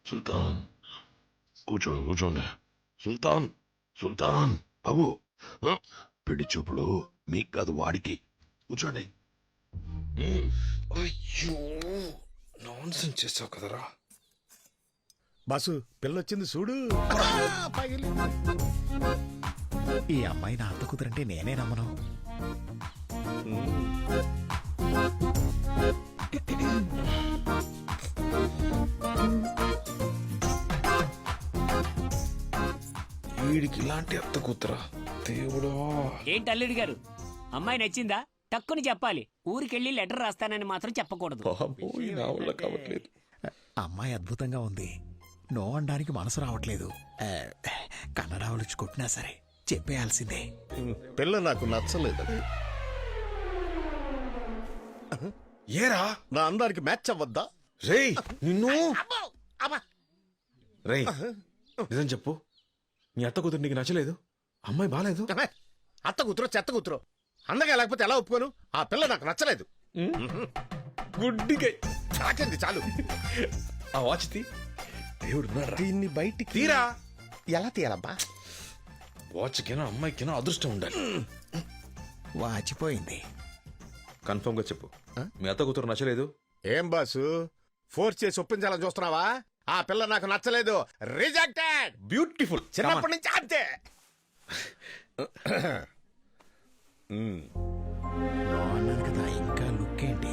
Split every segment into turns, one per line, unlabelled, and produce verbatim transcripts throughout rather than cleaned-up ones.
సుల్తాన్ కూర్చోండి కూర్చోండి. సుల్తాన్ సుల్తాన్ బాబు, ఆ, పెళ్లి చూపులు మీకు కాదు వాడికి. కూర్చోండి.
అయ్యో నాన్సెన్స్ చేసావు కదరా.
బాసు పిల్లొచ్చింది చూడు. ఈ అమ్మాయి నా అత్త కుదరంటే నేనే నమ్మను.
వీడికి ఇలాంటి అత్త కూతురా దేవుడా.
ఏంటి అల్లుడు గారు, అమ్మాయి నచ్చిందా? టక్కుని చెప్పాలి. ఊరికెళ్ళి లెటర్ రాస్తానని మాత్రం చెప్పకూడదు.
బాబోయ్, నా వల్ల కావట్లేదు.
అమ్మాయి అద్భుతంగా ఉంది. నో అనడానికి మనసు రావట్లేదు. ఆ, కన్నడ వచ్చి కొట్టినా సరే చెప్పేయాల్సిందే.
పిల్ల నాకు నచ్చలేదు.
ఏరా
నా అందానికి మ్యాచ్ అవ్వద్దా?
రేయ్ నిన్ను. రేయ్ నిజం చెప్పు, నీ అత్త కూతురు నీకు నచ్చలేదు? అమ్మాయి బాలేదు?
అత్త కూతురు చెత్త కూతురు అందగా లేకపోతే ఎలా ఒప్పుకోను? ఆ పిల్ల నాకు నచ్చలేదు.
గుడ్డిగా
చాకింది చాలు.
ఆ వాచ్ తీ. దేవుడు
దీన్ని బయటికి
తీరా.
ఎలా తీయాలబ్బా?
వాచ్కైనా అమ్మాయికైనా అదృష్టం ఉండాలి.
వాచిపోయింది.
కన్ఫర్మ్ గా చెప్పు, మీ అత్త కూతురు నచ్చలేదు?
ఏం బాసు ఫోర్స్ చేసి ఒప్పించాలని చూస్తున్నావా? ఆ పిల్ల నాకు నచ్చలేదు. రిజెక్టెడ్.
బ్యూటిఫుల్.
చిన్నప్పటి నుంచి అంతే.
నో అన్నాను కదా, ఇంకా లుక్ ఏంటి?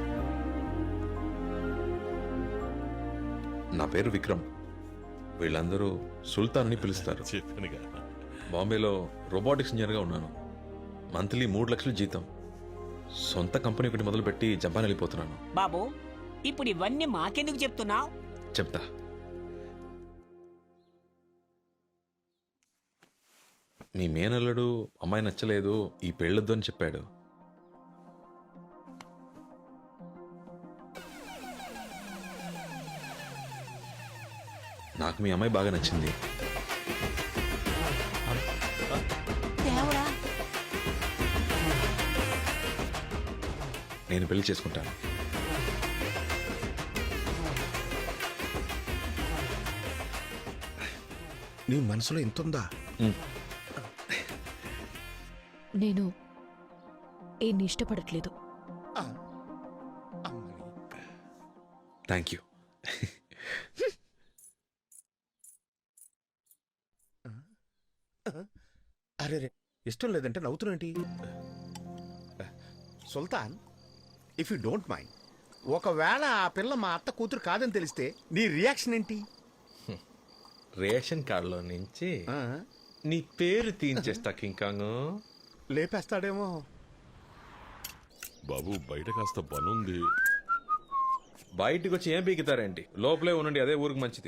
నా పేరు విక్రమ్. వీళ్ళందరూ సుల్తాన్ అని పిలుస్తారు. బాంబేలో రోబోటిక్స్ ఇంజనీర్గా ఉన్నాను. మంత్లీ మూడు లక్షలు జీతం. సొంత కంపెనీ ఒకటి మొదలుపెట్టి జపాన్ వెళ్ళిపోతున్నాను.
బాబు, ఇప్పుడు ఇవన్నీ మాకెందుకు చెప్తున్నావు?
చెప్తా. మీ మేనల్లుడు అమ్మాయి నచ్చలేదు, ఈ పెళ్ళొద్దు అని చెప్పాడు. నాకు మీ అమ్మాయి బాగా నచ్చింది.
దేవుడా,
నేను పెళ్లి చేసుకుంటాను.
నీ మనసులో ఇంతుందా?
నేను ఏన్ని ఇష్టపడట్లేదు.
Thank you.
అరే రే, ఇష్టం లేదంటే నవ్వుతున్నటి. Sultan, if you don't mind, ఒకవేళ ఆ పిల్ల మా అత్త కూతురు కాదని తెలిస్తే నీ రియాక్షన్ ఏంటి?
రేషన్ కార్డులో నుంచి నీ పేరు తీయించేస్తా కింకాంగ్.
లేపేస్తాడేమో.
బాబు బయట కాస్త పనుంది.
బయటకు వచ్చి ఏం పీకుతారేంటి? లోపలే ఉండండి, అదే ఊరికి మంచిది.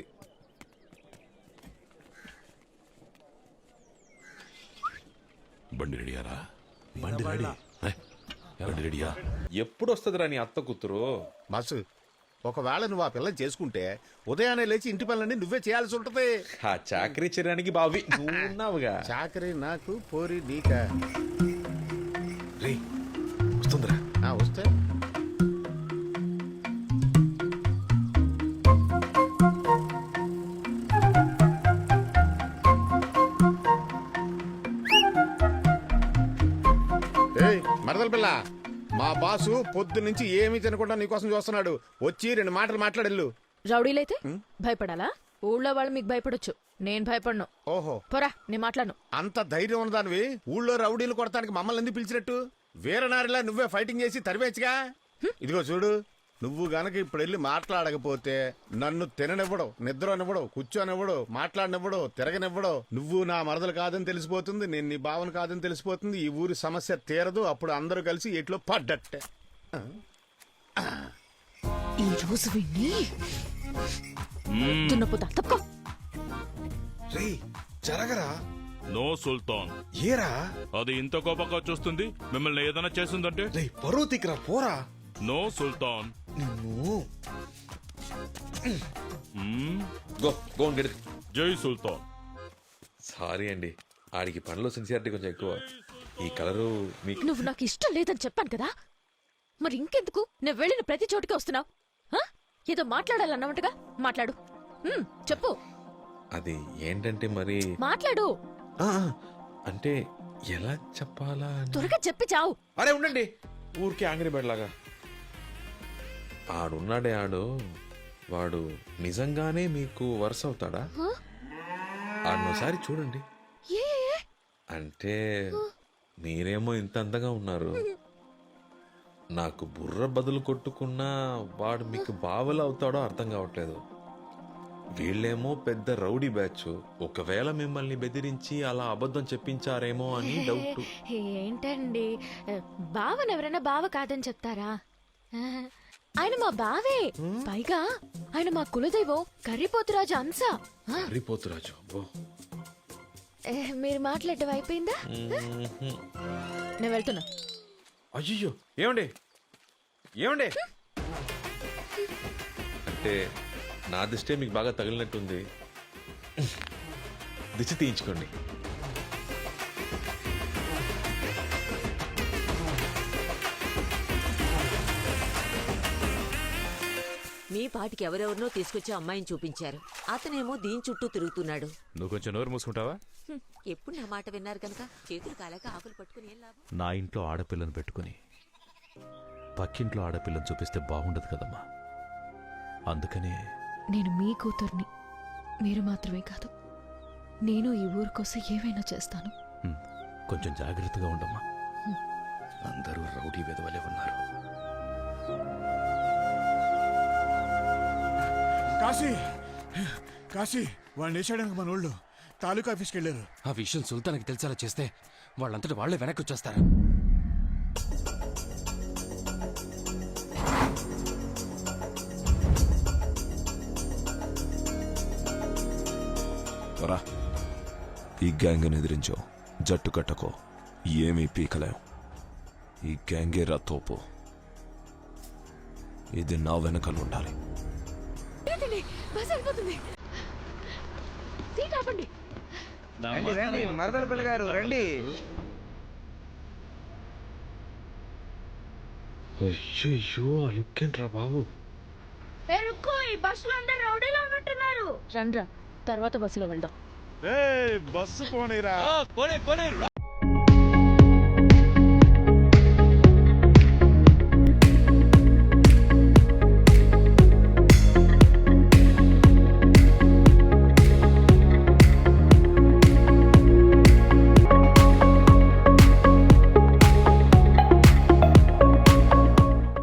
బండి రెడీయారా? బండి రెడీ. బండి రెడీయా?
ఎప్పుడు వస్తుందిరా నీ అత్త కూతురు?
మాసు, ఒకవేళ నువ్వు ఆ పిల్లని చేసుకుంటే ఉదయాన్నే లేచి ఇంటి పనులన్నీ నువ్వే చేయాల్సి ఉంటది.
ఆ చాకరీ చేయడానికి బావి నువ్వు ఉన్నావుగా.
చాకరీ నాకు, పోరి నీకా?
రే వస్తుందిరా.
ఆ, వస్తే ఏయ్ మరదల పిల్ల, మా బాసు పొద్దు నుంచి ఏమీ తినకుండా నీకోసం చూస్తున్నాడు. వచ్చి రెండు మాటలు మాట్లాడెళ్ళు.
రౌడీలైతే భయపడాలా? ఊళ్ళో వాళ్ళు మీకు భయపడొచ్చు, నేను భయపడను.
ఓహో,
పోరా, నేను మాట్లాడను.
అంత ధైర్యం ఉన్నదానివి ఊళ్ళో రౌడీలు కొడతానికి మమ్మల్ని ఎందుకు పిలిచినట్టు? వీరనారిలా నువ్వే ఫైటింగ్ చేసి తరివేచ్చుగా. ఇదిగో చూడు, నువ్వు గనక ఇప్పుడు వెళ్ళి మాట్లాడకపోతే నన్ను తిననివ్వడు, నిద్రనివ్వడు, కూర్చోనివ్వడు, మాట్లాడనివ్వడు, తిరగనివ్వడు. నువ్వు నా మరదలు కాదని తెలిసిపోతుంది, నేను నీ భావన కాదని తెలిసిపోతుంది. ఈ ఊరి సమస్య తీరదు. అప్పుడు అందరూ కలిసి ఎట్లో పడ్డట్టే.
ఈ రోజు విని దున్నపోతా తప్పుకో.
రే జరగరా.
నో సుల్తాన్.
ఏరా
అది ఇంత కోపంగా చూస్తుంది? మిమ్మల్ని ఏదైనా చేసిందంటే?
రే పరువు తిక్కరా, పోరా.
నో సుల్తాన్.
నిన్ను
మ్మ్.
Go go and get it.
జై సుల్తాన్.
సారీ అండి, ఆడికి పనిలో సిన్సియారిటీ కొంచెం ఎక్కువ. ఈ కలరు మీకు
నువ్వు నాకు ఇష్టం లేదని చెప్పాను కదా, మరి ఇంకెందుకు నేను వెళ్ళిన ప్రతి చోటుకి వస్తున్నావు? ఏదో మాట్లాడాలన్నమాటగా మాట్లాడు. హ్మ్, చెప్పు
అది ఏంటంటే మరి
మాట్లాడు.
ఆ, అంటే ఎలా చెప్పాలా అని-
త్వరగా చెప్పి చావు.
అరే ఉండండి, ఊరికి ఆంగ్రీ బెడ్లాగా. ఆడున్నాడే ఆడు, వాడు నిజంగానే మీకు వరుస అవుతాడా?
హ?
ఆడనోసారి చూడండి.
ఏ ఏ?
అంటే మీరేమో ఇంత అందంగా ఉన్నారు, నాకు బుర్ర బదులు కొట్టుకున్నా వాడు మీకు బావలా అవుతాడో అర్థం కావట్లేదు. వీళ్ళేమో పెద్ద రౌడీ బ్యాచ్, ఒకవేళ మిమ్మల్ని బెదిరించి అలా అబద్ధం చెప్పించారేమో అని డౌట్.
ఏంటండి, బావని ఎవరైనా బావ కాదని చెప్తారా? ఆయన మా బావే. పైగా ఆయన మా కులదైవం కర్రీపోతురాజు అంశ. ఆ,
హరిపోతురాజు అబ్బో.
ఏ, మీరు మాట్లాడటం అయిపోయిందా?
మ్మ్హ్మ్.
నేను వెళ్తున్నా.
అయ్యో ఏమండి ఏమండి అంటే నా దిష్టే మీకు బాగా తగిలినట్టుంది, దిష్టి తీయించుకోండి.
మీ పాటికి ఎవరెవరినో తీసుకొచ్చి అమ్మాయిని చూపించారు. అతనేమో దీని చుట్టూ తిరుగుతున్నాడు.
నువ్వు కొంచెం నోరు మూసుకుంటావా?
హ్మ్, ఎప్పుడు నా మాట విన్నారు కనుక చేతులు కాలేక ఆకులు పట్టుకుని ఏం లాభం?
నా ఇంట్లో ఆడపిల్లను పెట్టుకుని పక్కింట్లో ఆడపిల్లని చూపిస్తే బాగుండదు కదమ్మా. అందుకనే
నేను మీ కూతుర్ని, మీరు మాత్రమే కాదు, నేను ఈ ఊరు కోసం ఏమైనా చేస్తాను.
హ్మ్, కొంచెం జాగ్రత్తగా ఉండమ్మా. అందరూ రౌడీ వెదవలే ఉన్నారు.
కాశీ కాశీ వాడిని వేసాడానికి మన వాళ్ళు తాలూకా ఆఫీస్కి వెళ్ళారు.
ఆ విషయం సుల్తాన్కి తెలిసేలా చేస్తే వాళ్ళంతటి వాళ్లే వెనక్కి వచ్చేస్తారా?
రా, ఈ గ్యాంగ్ని ఎదిరించో, జట్టు కట్టకో, ఏమీ పీకలేం. ఈ గ్యాంగే రా తోపు. ఇది నా వెనకలు ఉండాలి.
బస్ వెళ్ళిపోతుంది. సీట్ ఆపండి.
మరదల పిల్ల గారు రండి.
అయ్యో లుక్కేంట్రా బాబు.
రండ్రా, తర్వాత బస్సులో వెళ్దాం.
బస్సు పోనీరా.